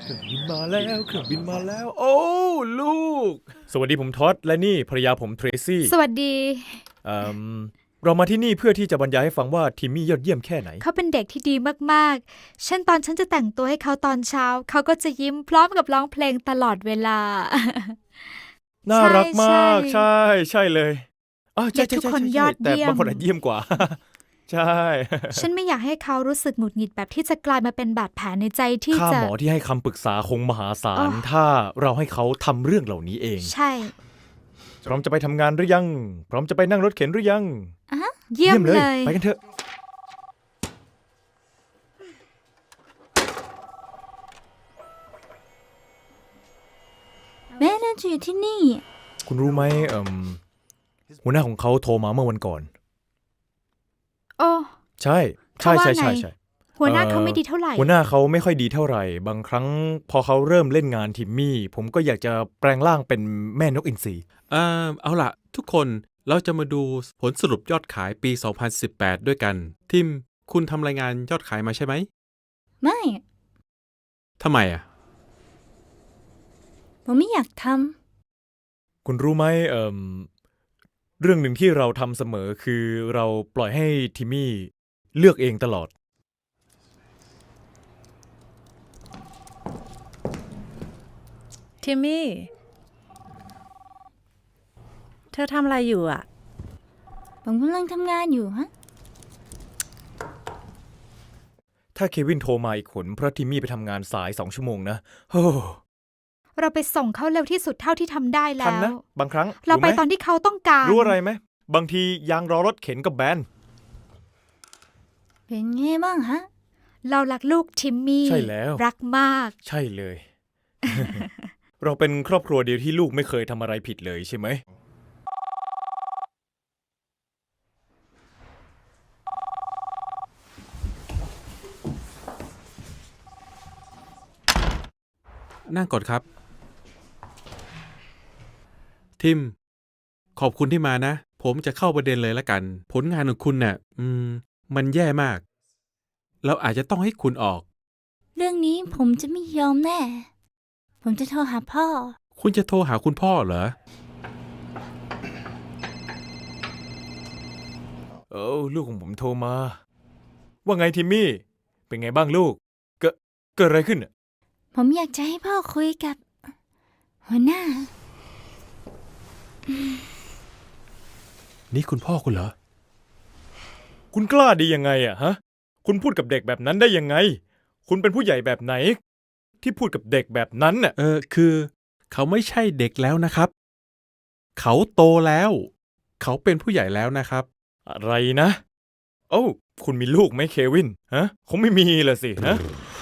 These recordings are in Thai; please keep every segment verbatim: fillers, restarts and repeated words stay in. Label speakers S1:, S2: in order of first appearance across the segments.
S1: เครื่องบินมาแล้วเครื่องบินมาแล้ว โอ้ลูก สวัสดีผมท็อดและนี่ภรรยาผมเทรซี่
S2: สวัสดี
S1: เอ่อเรามาที่นี่เพื่อที่จะบรรยายให้ฟังว่าทิมมี่ยอดเยี่ยมแค่ไหน
S2: เขาเป็นเด็กที่ดีมากๆเช่นตอนฉันจะแต่งตัวให้เขาตอนเช้า เขาก็จะยิ้มพร้อมกับร้องเพลงตลอดเวลา
S1: น่ารักมาก
S2: ใช่
S1: ใช่ใช่เลยอ๋อใช่
S2: เด็ก
S1: ใช่
S2: ทุก
S1: ใช่
S2: คน
S1: ใช่
S2: ยอด
S1: แต่
S2: เยี่ยม
S1: บางคนอาจเยี่ยมกว่า ใช่
S2: ฉันไม่อยากให้เขารู้สึกหงุดหงิดแบบที่จะกลายมาเป็นบาดแผลในใจที่
S1: ค่า
S2: จะ
S1: หมอที่ให้คำปรึกษาคงมหาศา
S2: อ๋
S1: ล
S2: อ
S1: ถ้าเราให้เขาทำเรื่องเหล่านี้เอง
S2: ใช่
S1: พร้อมจะไปทำงานหรือยัง พร้อมจะไปนั่งรถเข็นหรือยัง
S2: เยี่ยมเลย
S1: ไปกันเถอะ
S3: แม่น่าจะอยู่ที่นี่
S1: คุณรู้ไหมเอ่มหัวหน้าของเขาโทรมาเมื่อวันก่อน
S2: โอ้
S1: ใช่ใช่
S2: เขาว่า
S1: ใช่
S2: ไง
S1: ใช่ใช่
S2: หัวหน้า
S1: เอ่อ
S2: เขาไม่ดีเท่าไหร่
S1: หัวหน้าเขาไม่ค่อยดีเท่าไหร่ บางครั้งพอเขาเริ่มเล่นงานทิมมี่ ผมก็อยากจะแปลงร่างเป็นแม่นกอินทรี
S4: เอ่อเอาล่ะ ทุกคนเราจะมาดูผลสรุปยอดขายปี สองพันสิบแปด ด้วยกัน ทิม คุณทำรายงานยอดขายมาใช่ไหม
S3: ไม่
S4: ทำไมอ่ะ
S3: ผมไม่อยากท
S1: คุณรู้ไหมเอ่มเรื่องหนึ่งที่เราทำเสมอคือเราปล่อยให้ทิมมี่เลือกเองตลอด
S5: ทิมมี่ เธอทำอะไรอยู่อ่ะ
S3: ำผมกำลังทำงานอยู่ฮะ
S1: ถ้าเควินโทรมาอีกคนเพราะทิมมี่ไปทำงานสายสองชั่วโมงนะโอ้
S2: เราไปส่งเขาเร็วที่สุดเท่าที่ทำได้
S1: ทัน
S2: แล้
S1: นะ
S2: ว
S1: บางครั้ง
S2: เราไป
S1: ไหม
S2: ตอนที่เขาต้องการ
S1: รู้อะไรไหมบางทียางรอรถเข็นกับแบน
S3: เป็นไงบ้างฮะ
S2: เรารักลูกทิมมี่
S1: ใช่แล้ว
S2: รักมาก
S1: ใช่เลย เราเป็นครอบครัวเดียวที่ลูกไม่เคยทำอะไรผิดเลยใช่ไหม
S4: นั่งก่อนครับ ทิม ขอบคุณที่มานะ ผมจะเข้าประเด็นเลยละกัน ผลงานของคุณน่ะ อืม มันแย่มาก เราอาจจะต้องให้คุณออก
S3: เรื่องนี้ผมจะไม่ยอมแน่ ผมจะโทรหาพ่อ
S4: คุณจะโทรหาคุณพ่อเหรอ
S1: เออลูกของผมโทรมา ว่าไงทิมมี่ เป็นไงบ้างลูก เกิดเกิดอะไรขึ้นน่ะ
S3: ผมอยากจะให้พ่อคุยกับ หัวหน้า
S4: นี่คุณพ่อคุณเหรอ
S1: คุณกล้าดียังไงอะฮะ คุณพูดกับเด็กแบบนั้นได้ยังไง คุณเป็นผู้ใหญ่แบบไหน ที่พูดกับเด็กแบบนั้นน่ะ
S4: เออ คือ เขาไม่ใช่เด็กแล้วนะครับ เขาโตแล้ว เขาเป็นผู้ใหญ่แล้วนะครับ
S1: อะไรนะ โอ้าคุณมีลูกไหมเควิน ฮะ คงไม่มีละสินะ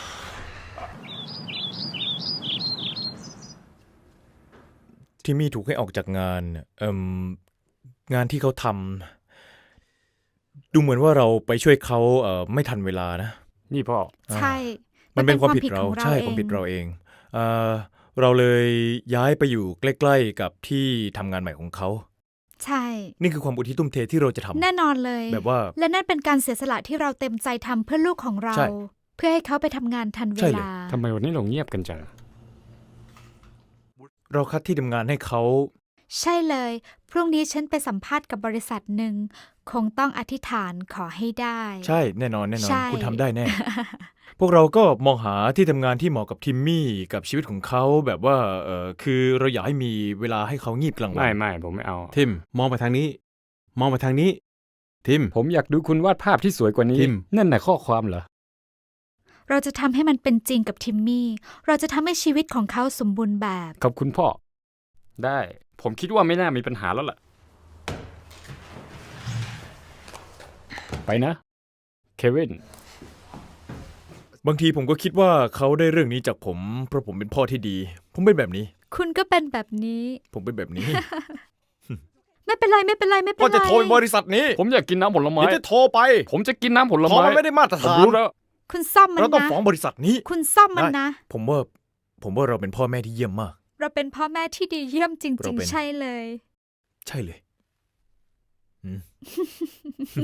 S1: ที่มี่ถูกให้ออกจากงานเอ่มงานที่เขาทำดูเหมือนว่าเราไปช่วยเขาเอ่อไม่ทันเวลานะ
S6: นี่พ่อ
S2: ใช่
S1: มันเป็นความผิด
S2: ข
S1: เรา
S2: องเรา
S1: ใช่
S2: เอง
S1: ความผิดเราเองเอ่อเราเลยย้ายไปอยู่ใกล้ๆกับที่ทำงานใหม่ของเขา
S2: ใช่
S1: นี่คือความอุทิศทุ่มเทที่เราจะทำ
S2: แน่นอนเลย
S1: แบบว่า
S2: และนั่นเป็นการเสียสละที่เราเต็มใจทำเพื่อลูกของเรา
S1: ใช่
S2: เพื่อให้เขาไปทำงานทันเว
S1: ใช่เลย
S2: ลา
S6: ทำไมวันนี้เราเงียบกันจัง
S1: เราคัดที่ทำงานให้เขา
S2: ใช่เลย พรุ่งนี้ฉันไปสัมภาษณ์กับบริษัทหนึ่ง คงต้องอธิษฐานขอให้ได้
S1: ใช่แน่นอนแน่นอน
S2: ใช่
S1: คุณทำได้แน่ พวกเราก็มองหาที่ทำงานที่เหมาะกับทิมมี่กับชีวิตของเขาแบบว่าเออคือเราอยากให้มีเวลาให้เขางีบกลางวั
S6: ไม่ไม่ผมไม่เอา
S4: ทิม มองไปทางนี้ มองไปทางนี้ ทิม
S6: ผมอยากดูคุณวาดภาพที่สวยกว่านี้
S4: ทิม
S6: นั่นน่ะข้อความเหรอ
S2: เราจะทำให้มันเป็นจริงกับทิมมี่ เราจะทำให้ชีวิตของเขาสมบูรณ์แบบ
S6: ขอบคุณพ่อ ได้ ผมคิดว่าไม่น่ามีปัญหาแล้วล่ะ ไปนะ เควิน
S1: บางทีผมก็คิดว่าเขาได้เรื่องนี้จากผม เพราะผมเป็นพ่อที่ดี ผมเป็นแบบนี้
S2: คุณก็เป็นแบบนี้
S1: ผมเป็นแบบนี้
S2: ไม่เป็นไรไม่เป็นไรไม่เป็น
S1: ก็
S2: ไร
S1: จะโทรบริษัทนี้
S6: ผมอยากกินน้ำผลไม้
S1: เดี๋ยวจะโทรไป
S6: ผมจะกินน้ำผล
S1: เพราะ
S6: ไม้
S1: มันไม่ได้มาตร
S6: ผม
S1: ฐาน
S6: รู้แล้ว
S2: คุณซ่อมมัน
S1: เราต้อง
S2: นะ
S1: ฟ้องบริษัทนี้
S2: คุณซ่อมมัน
S1: ได้
S2: นะ
S1: ผมว่า ผมว่าเราเป็นพ่อแม่ที่เยี่ยมมาก
S2: เราเป็นพ่อแม่ที่ดีเยี่ยมจ
S1: เรา
S2: ริง
S1: เป็น
S2: ๆ ใช่เลย
S1: ใช่เลยอืม